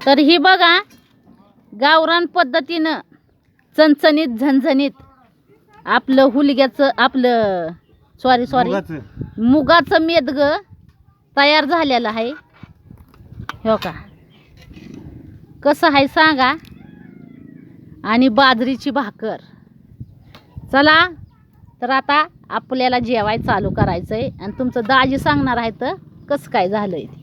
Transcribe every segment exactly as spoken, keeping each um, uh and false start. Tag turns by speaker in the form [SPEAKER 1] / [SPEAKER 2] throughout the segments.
[SPEAKER 1] तर ही बघा गावरान पद्धतीनं चणचणीत झणझणीत आपलं हुलग्याचं आपलं सॉरी सॉरी
[SPEAKER 2] मुगाचं.
[SPEAKER 1] मुगाचं मेदग तयार झालेलं आहे. हो का कसं आहे सांगा. आणि बाजरीची भाकर. चला तर आता आपल्याला जेवाय चालू करायचं आहे आणि तुमचं दाजी सांगणार आहे तर कसं काय झालंय ते.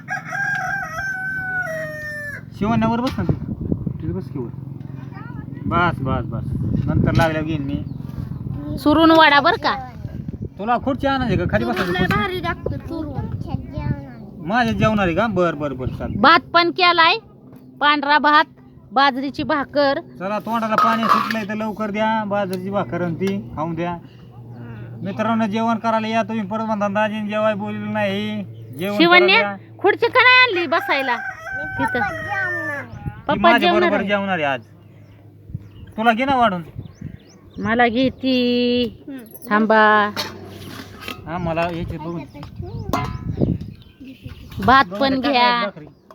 [SPEAKER 2] शिवण्यावर बस ना तू. तिथे बस की वर. बस बस बस नंतर लागल्या घेईन मी.
[SPEAKER 1] सुरून वाडा बर का.
[SPEAKER 2] तुला खुर्ची आणायची का खाली बसायचं? माझ्या जेवणार आहे का? बर बर बर चाल.
[SPEAKER 1] भात पण केलाय पांढरा भात बाजरीची भाकर.
[SPEAKER 2] चला तोंडाला पाणी सुटलंय तर लवकर द्या. बाजरीची भाकर आणि ती खाऊन द्या. मित्रांनो जेवण करायला या तुम्ही. परत म्हणता दाजीने जेवाय बोललेलं नाही. जेवण
[SPEAKER 1] शिवण्या
[SPEAKER 2] करायला या.
[SPEAKER 1] खुर्ची का नाही आणली बसायला तिथं.
[SPEAKER 2] ती
[SPEAKER 1] पप्पा
[SPEAKER 2] माझ्या
[SPEAKER 1] जेवणार
[SPEAKER 2] बरोबर
[SPEAKER 1] आहे.
[SPEAKER 2] जेवणार आहे आज. तुला घे ना वाढून.
[SPEAKER 1] मला घेती थांबा.
[SPEAKER 2] हा मला याचे बघून
[SPEAKER 1] भात पण घ्या.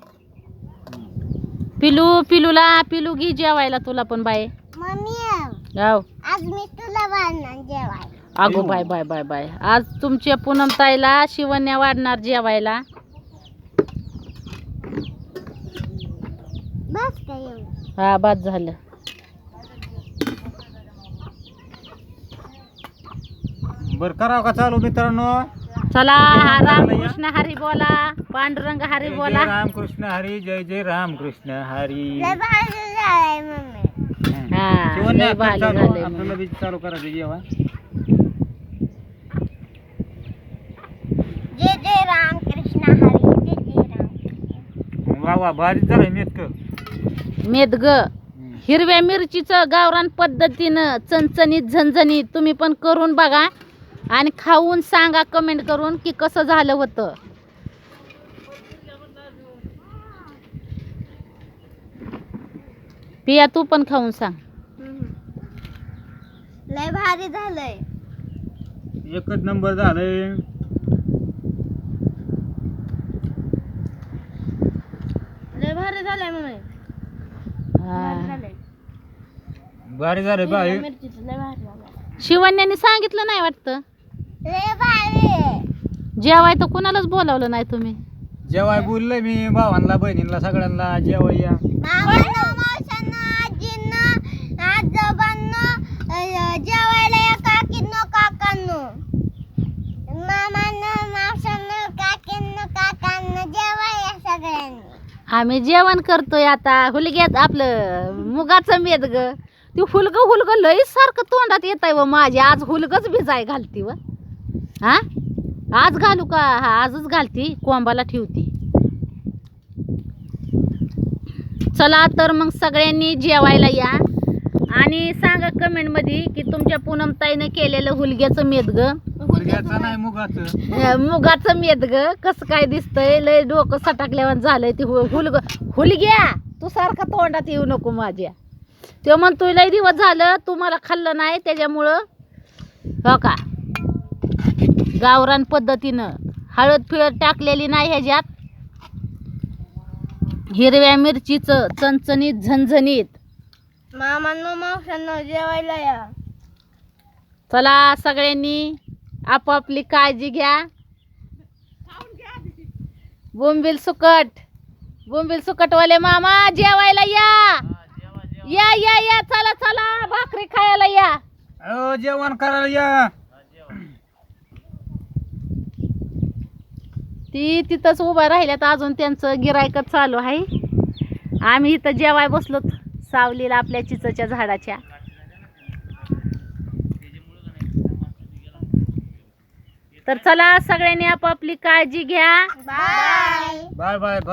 [SPEAKER 1] पिलू पिलूला पिलू घे जेवायला तुला पण बाय. गाव
[SPEAKER 3] आज मी तुला वाढणार जेवाय.
[SPEAKER 1] अगो बाय बाय बाय बाय. आज तुमच्या पूनम ताईला शिवण्या वाढणार जेवायला.
[SPEAKER 3] बस काय एवढं.
[SPEAKER 1] हा बाद झालं.
[SPEAKER 2] बर करावं का चालू मित्रांनो?
[SPEAKER 1] चला रामकृष्ण हरी बोला. पांडुरंग हरी
[SPEAKER 2] जय
[SPEAKER 1] बोला.
[SPEAKER 2] जय रामकृष्ण हरी. जय जय रामकृष्ण हरी.
[SPEAKER 3] लय भारी झालंय मम्मी.
[SPEAKER 1] हा
[SPEAKER 2] शिवण्या
[SPEAKER 1] लय भारी
[SPEAKER 2] चालू
[SPEAKER 1] झालंय
[SPEAKER 2] आपल्याला
[SPEAKER 1] मग.
[SPEAKER 2] बी चालू करायचं जेवण.
[SPEAKER 3] जय जय राम कृष्ण हरी. जय जय राम.
[SPEAKER 2] वा वा भारी झालंय मेतक.
[SPEAKER 1] मेदग हिरव्या मिरचीचं गावरान पद्धतीनं चणचणीत झणझणीत तुम्ही पण करून बघा आणि खाऊन सांगा कमेंट करून की कसं झालं होतं. पिया तू पण खाऊन सांग.
[SPEAKER 3] लय भारी झालंय.
[SPEAKER 2] एकच नंबर झालंय.
[SPEAKER 3] लय भारी झालंय मम्मी.
[SPEAKER 1] हा.
[SPEAKER 2] भारी झालंय बाई.
[SPEAKER 3] मिरचीचं लय भारी झालंय.
[SPEAKER 1] शिवण्याने सांगितलं नाही वाटतं.
[SPEAKER 3] लय भारी.
[SPEAKER 1] जेवाय तर कुणालाच बोलावलं नाही तुम्ही.
[SPEAKER 2] जेवाय बोललोय मी भावांना बहिणींना सगळ्यांना जेवाय या.
[SPEAKER 3] मामांना मावशांना आजींना आजोबांना अ, जेवायला या काकींनो काकांनो. मामांना मावशांना काकींनो काकांना जेवाय या सगळ्यांनी.
[SPEAKER 1] आम्ही जेवण करतोय आता. हुलग्यात आपलं मुगाचं मेदग ती हुलग हुलग लई सारखं तोंडात येत आहे व माझी. आज हुलगच भिजाय घालती व. हा आज घालू का? हा आजच घालती कोंबाला ठेवती. चला तर मग सगळ्यांनी जेवायला या आणि सांगा कमेंट मध्ये की तुमच्या पूनम ताईनं केलेलं हुलग्याचं मेदग
[SPEAKER 2] मुलग्याचं नाही मुगाचं.
[SPEAKER 1] मुगाचं मेदग कसं काय दिसतंय. लय डोकं सटाकल्यावर झालंय ते हु- हुलग हुलग्या तू सारखा तोंडात येऊ नको माझ्या. तो म्हणतोय लय दिवस झालं तू मला खाल्लं नाही त्याच्यामुळं. हो का गावरान पद्धतीनं हळद फिळद टाकलेली नाही ह्याच्यात. हिरव्या मिरचीचं चणचणीत झणझणीत.
[SPEAKER 3] मामांना मावशांना जेवायला या.
[SPEAKER 1] चला सगळ्यांनी आपापली काळजी घ्या. बोंबील सुकट बोंबील सुकटवाले मामा जेवायला या. या या या चला चला भाकरी खायला या.
[SPEAKER 2] अहो जेवण करायला या.
[SPEAKER 1] ती तिथंच उभा राहिल्यात अजून त्यांचं गिरायकच चालू आहे. आम्ही इथं जेवाय बसलो सावलीला आपल्या चिचच्या झाडाच्या. तर चला सगळ्यांनी आपापली काळजी घ्या.
[SPEAKER 3] बाय.
[SPEAKER 2] Bye bye.